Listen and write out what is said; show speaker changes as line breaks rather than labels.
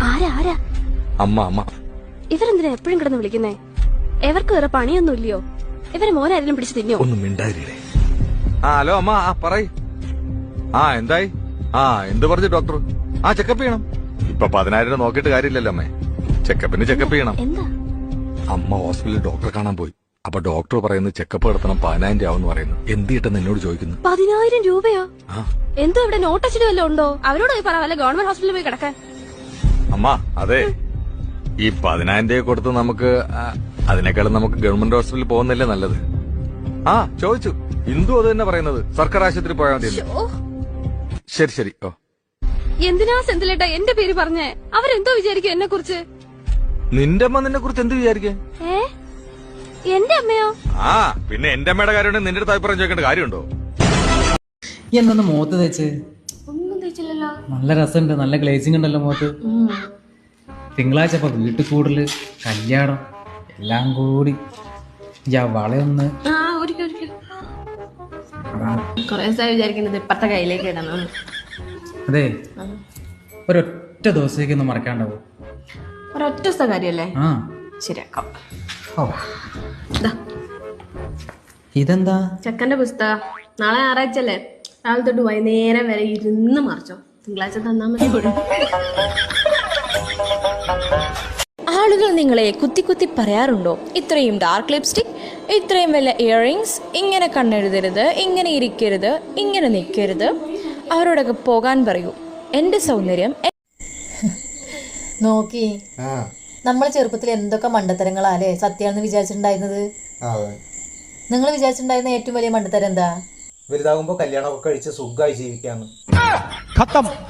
ആരാ ആരാ?
അമ്മ അമ്മ.
ഇവരെന്തിനാ എപ്പോഴും കിടന്ന് വിളിക്കുന്നേ? എവർക്ക് വേറെ പണിയൊന്നും ഇല്ലയോ? ഇവരെ മോനാരെങ്കിലും പിടിച്ച് തിന്നോ?
ഒന്നും മിണ്ടാതിരിക്കേ. ഹലോ അമ്മ, പറയ്. എന്തായി? എന്ത് പറഞ്ഞു ഡോക്ടർ? ചെക്കപ്പ് ചെയ്യണം. ഇപ്പൊ 10,000 നോക്കിയിട്ട് കാര്യമില്ലല്ലോ അമ്മേ. ചെക്കപ്പിന് ചെക്കപ്പ് ചെയ്യണം.
എന്താ?
അമ്മ ഹോസ്പിറ്റലിൽ ഡോക്ടറെ കാണാൻ പോയി. അപ്പൊ ഡോക്ടർ പറയുന്നത് ചെക്കപ്പ് നടത്തണം 10,000 ആവും പറയുന്നു. എന്ത് കിട്ടുന്ന എന്നോട് ചോദിക്കുന്നു.
10,000 രൂപയോ? എന്തോ ഇവിടെ നോട്ടച്ചിട്ട് വല്ലതും ഉണ്ടോ? അവരോട് പോയി പറ, വല്ല ഗവൺമെന്റ് ഹോസ്പിറ്റലിൽ പോയി കിടക്കാൻ.
അമ്മ അതെ, ഈ 10,000 രൂപ കൊടുത്ത് നമുക്ക് അതിനേക്കാളും നമുക്ക് ഗവൺമെന്റ് ഹോസ്പിറ്റലിൽ പോകുന്നില്ലേ നല്ലത്? ചോദിച്ചു. ഇന്ദു അത് തന്നെ പറയുന്നത്, സർക്കാർ ആശുപത്രി പോയാൽ മതി. ശരി ശരി.
എന്തിനാ സെന്തിലേട്ടാ എന്റെ പേര് പറഞ്ഞേ? അവരെന്തോ വിചാരിക്കും എന്നെ കുറിച്ച്?
നിന്റെ അമ്മ നിന്നെ കുറിച്ച് എന്ത് വിചാരിക്കേ?
എന്റെ അമ്മയോ?
പിന്നെ എന്റെ അമ്മയുടെ കാര്യം നിന്റെ അടുത്ത് അഭിപ്രായം ചോദിക്കേണ്ട കാര്യമുണ്ടോ?
എന്തൊന്ന് മുഖത്ത് തേച്ച്?
ഒന്നും തേച്ചില്ലല്ലോ.
നല്ല രസമുണ്ട്, നല്ല ഗ്ലേസിംഗ് ഉണ്ടല്ലോ മുഖത്ത്. തിങ്കളാഴ്ച ഇപ്പൊ വീട്ടിൽ കൂടുതല് കല്യാണം എല്ലാം കൂടി വളയൊന്ന്
കൊറേ വിചാരിക്കുന്നത് ഇപ്പത്തെ കയ്യിലേക്ക് ഇടണം.
അതെ, ഒരൊറ്റ ദിവസത്തേക്കൊന്നും മറക്കാണ്ടാവും.
ഒരൊറ്റ കാര്യല്ലേ? ശരിയാക്കാം.
ഇതെന്താ?
ചെക്കന്റെ പുസ്തകം. നാളെ ഞായറാഴ്ചല്ലേ, രാവിലെ തൊട്ട് വൈകുന്നേരം വരെ ഇരുന്ന് മറിച്ചോ. തിങ്കളാഴ്ച തന്നാ മതി.
ആളുകൾ നിങ്ങളെ കുത്തി കുത്തി പറയാറുണ്ടോ, ഇത്രയും ഡാർക്ക് ലിപ്സ്റ്റിക്, ഇത്രയും വലിയ ഇയറിങ്സ്, ഇങ്ങനെ കണ്ണെഴുതരുത്, ഇങ്ങനെ ഇരിക്കരുത്, ഇങ്ങനെ നിൽക്കരുത്? അവരോടൊക്കെ പോകാൻ പറയൂ. എൻ്റെ സൗന്ദര്യം
നോക്കി. നമ്മൾ ചെറുപ്പത്തിൽ എന്തൊക്കെ മണ്ടത്തരങ്ങളാലേ സത്യാണെന്ന് വിചാരിച്ചിട്ടുണ്ടായിരുന്നത്. നിങ്ങൾ വിചാരിച്ചിട്ടുണ്ടായിരുന്ന ഏറ്റവും വലിയ മണ്ടത്തരം എന്താ?
വലുതാകുമ്പോ കല്യാണമൊക്കെ കഴിച്ച് സുഖമായി ജീവിക്കാന്ന്.